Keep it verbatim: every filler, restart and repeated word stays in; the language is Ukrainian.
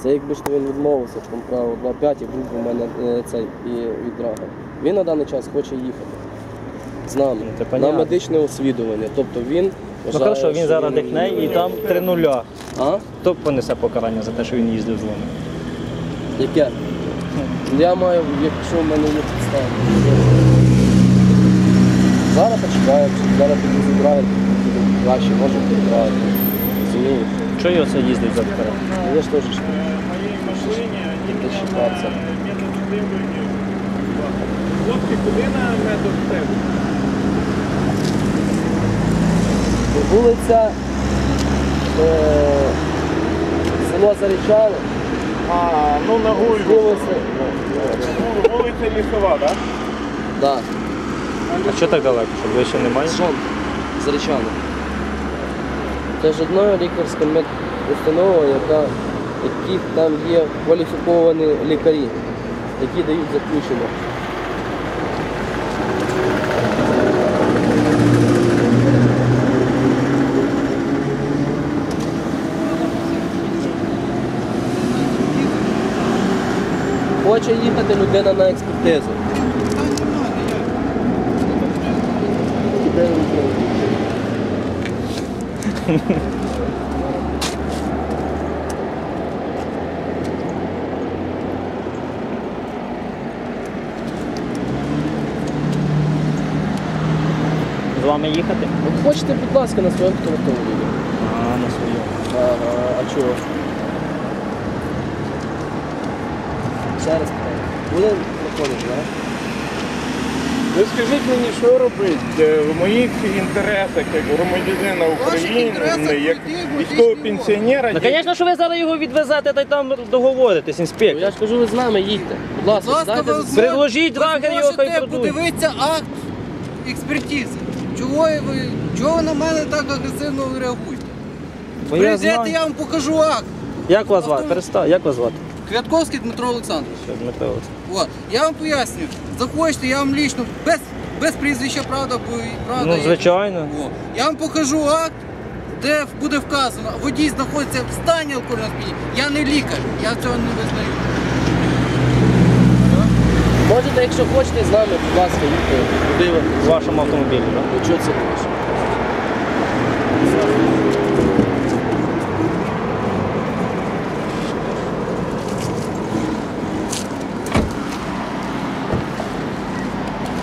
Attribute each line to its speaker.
Speaker 1: Це якби ж він відмовився, там право два п'ять і був у мене е, цей і від драга. Він на даний час хоче їхати з нами
Speaker 2: Ну,
Speaker 1: на медичне освідування. Тобто він
Speaker 2: Ну хорошо, він зараз дихне і там три нуля.
Speaker 1: А?
Speaker 2: Хто понесе покарання за те, що він їздив з вами?
Speaker 1: Яке? Я маю, якщо в мене є підстави. Зараз почекаємо, зараз тоді зібрають, краще може підбирати. Розумієте?
Speaker 2: Чого його це їздить за покарання?
Speaker 1: Я ж теж тільки щитався.
Speaker 3: Хлопці, куди на медоцентр?
Speaker 1: Вулиця е, село Зарічало.
Speaker 3: А, ну на Гульбу.
Speaker 1: Вулиця.
Speaker 3: Вулиця Лісова, так?
Speaker 1: Так.
Speaker 2: А що так далеко? Що ближче немає?
Speaker 1: Сон. Зарічано. Це ж одна лікарська медустанова, яка, які там є кваліфіковані лікарі, які дають заключення. Хоче їхати людина на експертизу.
Speaker 2: З вами їхати?
Speaker 1: От хочете, будь ласка, на своєму автомобілі.
Speaker 2: А, на своєму.
Speaker 1: Ага, а чого? Ще раз питаю. Буде проходити, так?
Speaker 3: Ви скажіть мені, що робити в моїх інтересах, як громадянина України, як військового пенсіонера.
Speaker 2: Ну, звісно, що ви зараз його відвезете та й там договоритесь,
Speaker 1: Ну,
Speaker 2: інспектор.
Speaker 1: я ж кажу, ви з нами їдьте. Будь ласка,
Speaker 4: Будь ласка,
Speaker 1: сідайте
Speaker 4: ви
Speaker 1: за-
Speaker 2: Предложіть драгер його, хай
Speaker 4: можете
Speaker 2: продує.
Speaker 4: подивитися акт експертизи. Чого ви, чого ви на мене так агресивно реагуєте?
Speaker 2: Бо я
Speaker 4: Прийдете,
Speaker 2: знаю.
Speaker 4: я вам покажу акт.
Speaker 2: Як вас звати?
Speaker 4: Автомобіль.
Speaker 2: Перестань, як вас звати?
Speaker 4: Квятковський Дмитро Олександрович.
Speaker 2: Що, Дмитро Олександрович?
Speaker 4: От. Я вам пояснюю, захочете, я вам лічно, без, без прізвища, правда, бо і правда.
Speaker 2: Ну,
Speaker 4: є.
Speaker 2: звичайно.
Speaker 4: О. Я вам покажу акт, де буде вказано, водій знаходиться в стані алкогольного сп'яніння. Я не лікар, я цього не визнаю.
Speaker 1: Можете, якщо хочете, з нами, будь ласка, їдьте. Куди ви?
Speaker 2: В вашому автомобілі, так?
Speaker 1: Ну, чого це хочеш?